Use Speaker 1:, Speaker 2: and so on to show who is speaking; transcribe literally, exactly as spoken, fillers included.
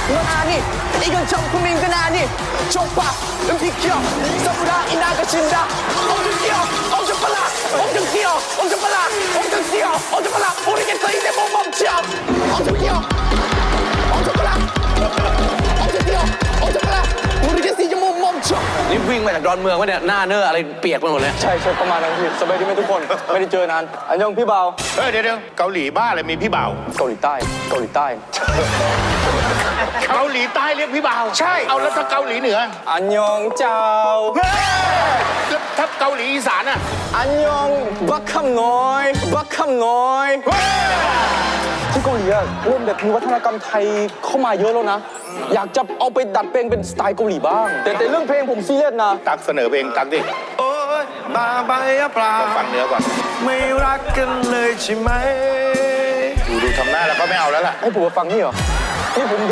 Speaker 1: 넌 아니 이건 정품인 건 아니 좁아 음식 귀여 서브라 이나가 신다 엄청 뛰어 엄청 빨라 엄청 뛰어 엄청 빨라 엄청 뛰어 엄청 빨라 모르겠어 이제 못 멈춰 엄청 뛰어 엄청 빨라 엄청 뛰어 엄청 빨라 모르겠어 이제 못 멈춰 นี่วิ่งมาจากดอนเมืองวะเนี่ยหน้าเนื้ออะไรเปียกไปหมดเลยใช่ใช่ประมาณนั้นพี่สบายดีไหมทุกคนไม่ได้เจอนานอันยองพี่เบา
Speaker 2: เฮ้ยเดี๋ยวเดี๋ยวเกาหลีบ้าเลยมีพี่บ่าว
Speaker 1: เกาหลีใต้เกาหลีใต้
Speaker 2: เกาหลีใต้เรียกพี่บ่าวใช่เอาแล้วถ้าเกาหลีเหนือ
Speaker 1: อันยองเจ้า
Speaker 2: เฮ้ยแล้วถ้าเกาหลีอีสานอ่ะ
Speaker 1: อันยองบักคำน้อยบักคำน้อย
Speaker 2: เฮ้ย
Speaker 1: ที่เกาหลีอะเริ่มแบบมีวัฒนธรรมไทยเข้ามาเยอะแล้วนะ อยากจะเอาไปดัดแปลงเป็นสไตล์เกาหลีบ้าง แต่แต่เรื่องเพลงผมซีเรียสนะ
Speaker 2: ตักเสนอเพลงตักดิ
Speaker 3: โอ้ยบาใบอะปลา
Speaker 2: ฟังเนื้อก่อน
Speaker 3: ไม่รักกันเลยใช่ไหม
Speaker 2: ดูดูทำหน้าแล้วก็ไม่เอาแล้วล่ะ
Speaker 1: ให้ผมมาฟังนี่เหรอนี่ผม